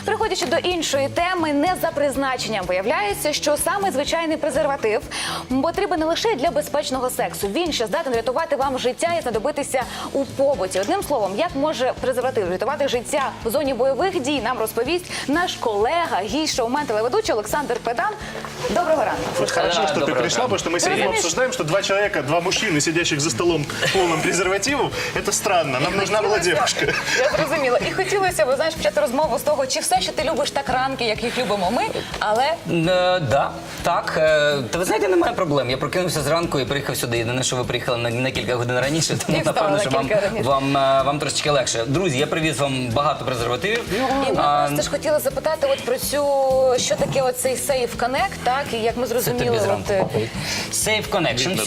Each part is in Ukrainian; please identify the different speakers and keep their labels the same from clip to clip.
Speaker 1: Переходячи до іншої теми, не за призначенням, виявляється, що саме звичайний презерватив потрібен не лише для безпечного сексу. Він ще здатен врятувати вам життя і знадобитися у побуті. Одним словом, як може презерватив врятувати життя в зоні бойових дій, нам розповість наш колега, гість, шоумен, телеведучий Олександр Педан. Доброго ранку.
Speaker 2: Вот хорошо, что ты пришла, потому что мы сегодня обсуждаем, что два человека, два мужчины, сидящих за столом полным презервативом, это странно. Нам нужна была девушка.
Speaker 1: Я зрозуміла. І хотілося б, знаєш, почати розмову з того, чи все, що ти любиш так ранки, як їх любимо ми, але...
Speaker 3: Да, так. Та ви знаєте, немає проблем. Я прокинувся зранку і приїхав сюди. Єдине, що ви приїхали на кілька годин раніше, тому напевно, що вам трошечки легше. Друзі, я привіз вам багато презервативів.
Speaker 1: І ми просто ж хотіли запитати от про цю, що таке оцей Safe Connect, так, і як ми зрозуміли...
Speaker 3: Safe Connection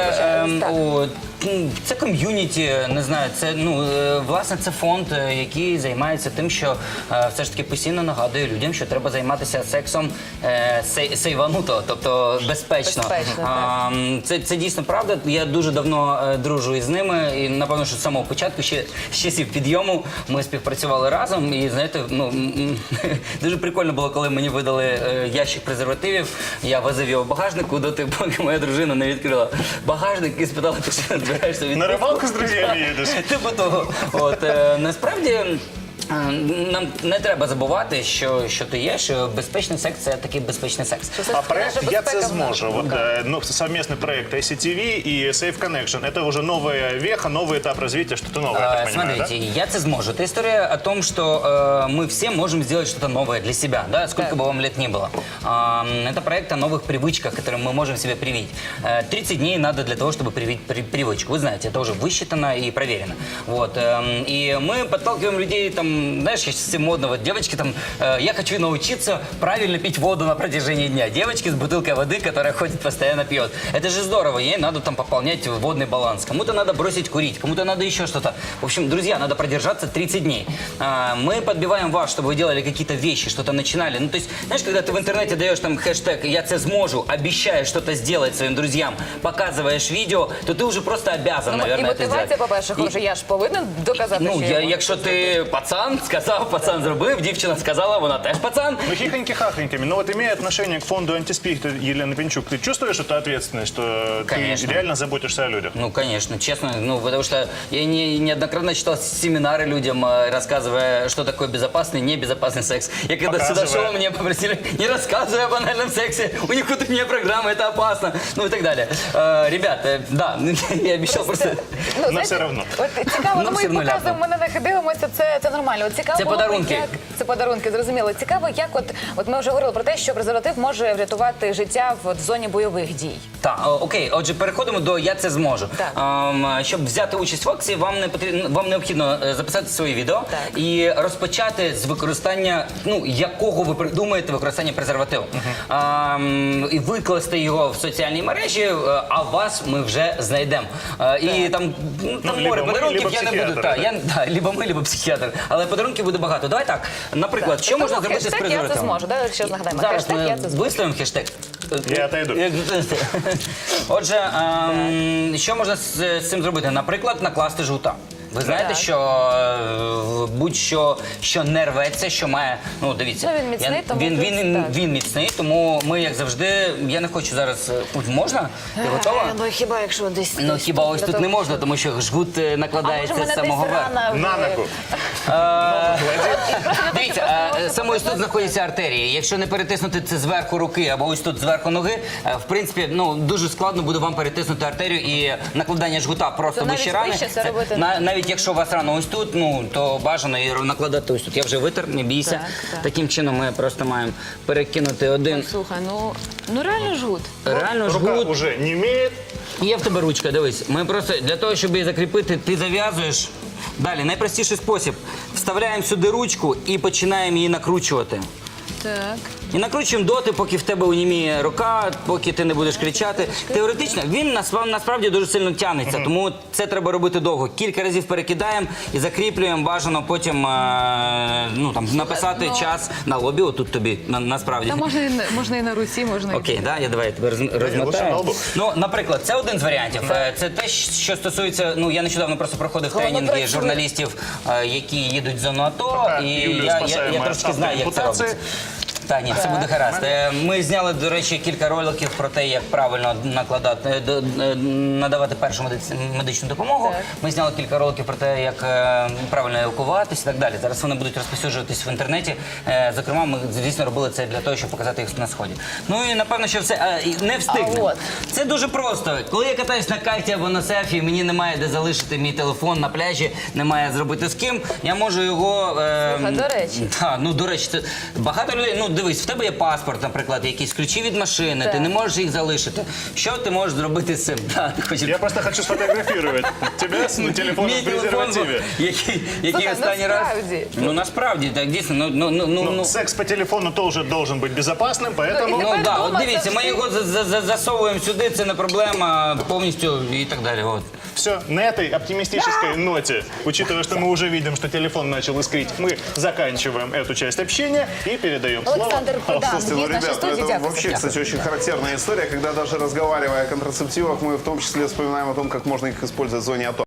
Speaker 3: – це ком'юніті, не знаю, це, власне, це фонд, який займається тим, що все ж таки постійно нагадує людям, що треба займатися сексом сейвануто, тобто безпечно. Це дійсно правда. Я дуже давно дружу із ними, і, напевно, що з самого початку, ще з часів підйому, ми співпрацювали разом, і, знаєте, дуже прикольно було, коли мені видали ящик презервативів, я возив його в багажнику, доти, поки моя дружина не відкрила багажник і спитала, ти що збираєшся від...
Speaker 2: На рыбалку с друзьями едешь?
Speaker 3: Типу того. Насправді, нам не треба забувати, що то є, що безпечний секс – це такий безпечний секс.
Speaker 2: А проект «Я це зможу», совместный проект ICTV и Safe Connection, это уже новая веха, новый этап развития, что-то новое, я так понимаю, да?
Speaker 3: Смотрите, «Я це зможу» – это история о том, что мы все можем сделать что-то новое для себя, да, сколько бы вам лет ни было. Это проект о новых привычках, которые мы можем себе привить. 30 дней надо для того, чтобы привить привычку. Вы знаете, это уже высчитано и проверено. Вот. И мы подталкиваем людей, там, знаешь, сейчас модно, вот девочки там, я хочу научиться правильно пить воду на протяжении дня. Девочки с бутылкой воды, которая ходит, постоянно пьет. Это же здорово, ей надо там пополнять водный баланс. Кому-то надо бросить курить, кому-то надо еще что-то. В общем, друзья, надо продержаться 30 дней. Мы подбиваем вас, чтобы вы делали какие-то вещи, что-то начинали. Ну, то есть, знаешь, когда ты в интернете даешь там хэштег «Я це зможу», обещаешь что-то сделать своим друзьям, показываешь видео, то ты уже просто обязан, наверное, это сделать.
Speaker 1: І мотивація, по-перше, вже я ж повинен доказати, що я можу.
Speaker 3: Якщо ти пацан, сказав, пацан зробив, дівчина сказала, вона теж пацан.
Speaker 2: Ну, хихоньки-хахоньками. Но вот имея отношение к фонду «Антиспид» Елены Пинчук, ты чувствуешь эту ответственность, что ты реально заботишься о людях?
Speaker 3: Ну, конечно, честно, потому что я неоднократно читал семинары людям, рассказывая, что такое безопасный, небезопасный секс. Я когда сюда шел, меня попросили, не рассказывай о банальном сексе, у них внутренняя программа, это опасно, ну и так далее. Ребята, да, я обещал просто...
Speaker 2: Но все равно.
Speaker 1: Цікаво, ми показуємо, ми на них дивимося, це нормально.
Speaker 3: Це подарунки.
Speaker 1: Це подарунки, зрозуміло. Цікаво, як от ми вже говорили про те, що презерватив може врятувати життя в зоні бойових дій.
Speaker 3: Так, окей, отже, переходимо до «Я це зможу». Щоб взяти участь в акції, вам необхідно записати своє відео і розпочати з використання, якого ви придумаєте використання презервативу. І викласти його в соціальній мережі, а вас ми вже знайдемо. І там море подарунків, я не буду. Либо ми, либо психіатр. Але подарунків буде багато. Давай так, наприклад, що можна зробити з презервативом?
Speaker 1: «Я це зможу», ще нагадаємо.
Speaker 3: Зараз ми виставимо хештег.
Speaker 2: Я отойду.
Speaker 3: Отже, що можна з цим зробити? Наприклад, накласти жгута. Ви знаєте, що будь-що, що не рветься, що має, дивіться,
Speaker 1: він міцний, тому
Speaker 3: він міцний, тому ми, як завжди, я не хочу зараз, можна? Ти готова?
Speaker 1: Ну хіба якщо десь...
Speaker 3: Ну хіба ось тут не можна, тому що жгут накладається з самого верху.
Speaker 2: На ногу.
Speaker 3: Дивіться, саме ось тут знаходяться артерії. Якщо не перетиснути це зверху руки або ось тут зверху ноги, в принципі, дуже складно буде вам перетиснути артерію і накладання жгута просто вище рани. Навіть якщо у вас рана ось тут, то бажано її накладати ось тут. Я вже витер, не бійся. Таким чином ми просто маємо перекинути один.
Speaker 1: Слухай, ну реально жгут.
Speaker 3: Реально жгут.
Speaker 2: Рука вже немеет.
Speaker 3: Є в тебе ручка, дивись. Ми просто для того, щоб її закріпити, ти зав'язуєш. Далі, найпростіший спосіб. Вставляємо сюди ручку і починаємо її накручувати.
Speaker 1: Так.
Speaker 3: І накручуємо доти, поки в тебе уніміє рука, поки ти не будеш кричати. Теоретично він насправді дуже сильно тягнеться, тому це треба робити довго. Кілька разів перекидаємо і закріплюємо. Бажано потім написати час на лобі. Отут тобі насправді.
Speaker 1: Та можна і на руці, можна і
Speaker 3: Окей, да, я давай тебе
Speaker 2: лучше на
Speaker 3: розмотаю.
Speaker 2: лбу.
Speaker 3: Ну, наприклад, це один з варіантів. Це те, що стосується. Ну, я нещодавно просто проходив
Speaker 1: Головне,
Speaker 3: тренінги
Speaker 1: працює.
Speaker 3: журналістів, які їдуть в зону АТО,
Speaker 2: Пока
Speaker 3: і
Speaker 2: Юлію
Speaker 3: я
Speaker 2: спасаємо
Speaker 3: трошки
Speaker 2: від
Speaker 3: знаю, як це
Speaker 2: автоампутації.
Speaker 3: робиться. Так, ні, все буде гаразд. Ми зняли, до речі, кілька роликів про те, як правильно надавати першу медичну допомогу.
Speaker 1: Так.
Speaker 3: Ми зняли кілька роликів про те, як правильно евакуватися і так далі. Зараз вони будуть розповсюджуватись в інтернеті. Зокрема, ми, звісно, робили це для того, щоб показати їх на сході. Ну і напевно, що все не встигнемо.
Speaker 1: от.
Speaker 3: Це дуже просто. Коли я катаюсь на кайті або на серфі, мені немає де залишити мій телефон на пляжі, немає зробити з ким. Я можу його.
Speaker 1: До речі.
Speaker 3: Так, ну до речі, це багато людей. Ну дивись, в тебе є паспорт, наприклад, якісь ключі від машини,
Speaker 1: Так.
Speaker 3: ти не можеш їх залишити. Що ти можеш зробити з цим? Так, хочу-
Speaker 2: Я просто хочу сфотографировать тебя с телефоном
Speaker 3: Мій
Speaker 2: в
Speaker 3: телефон,
Speaker 2: презервативе.
Speaker 3: який
Speaker 1: Слухай,
Speaker 3: останній раз.
Speaker 1: насправді.
Speaker 3: Ну насправді, так дійсно. Ну,
Speaker 2: Секс по телефону тоже должен быть безопасным, поэтому...
Speaker 1: Ну,
Speaker 3: Ну
Speaker 1: Тепер
Speaker 3: так,
Speaker 1: дома
Speaker 3: от дивіться, ми
Speaker 1: завжди-
Speaker 3: його засовуємо сюди, це не проблема повністю і так далі. От.
Speaker 2: Все, на этой оптимистической ноте, учитывая, что мы уже видим, что телефон начал искрить, мы заканчиваем эту часть общения и передаем слово.
Speaker 1: Олександр Кодан,
Speaker 4: Слушайте, ну,
Speaker 1: є в нашій
Speaker 4: ребят,
Speaker 1: студії.
Speaker 4: это
Speaker 1: Дякую.
Speaker 4: вообще, кстати, очень характерная история, когда даже разговаривая о контрацептивах, мы в том числе вспоминаем о том, как можно их использовать в зоне АТО.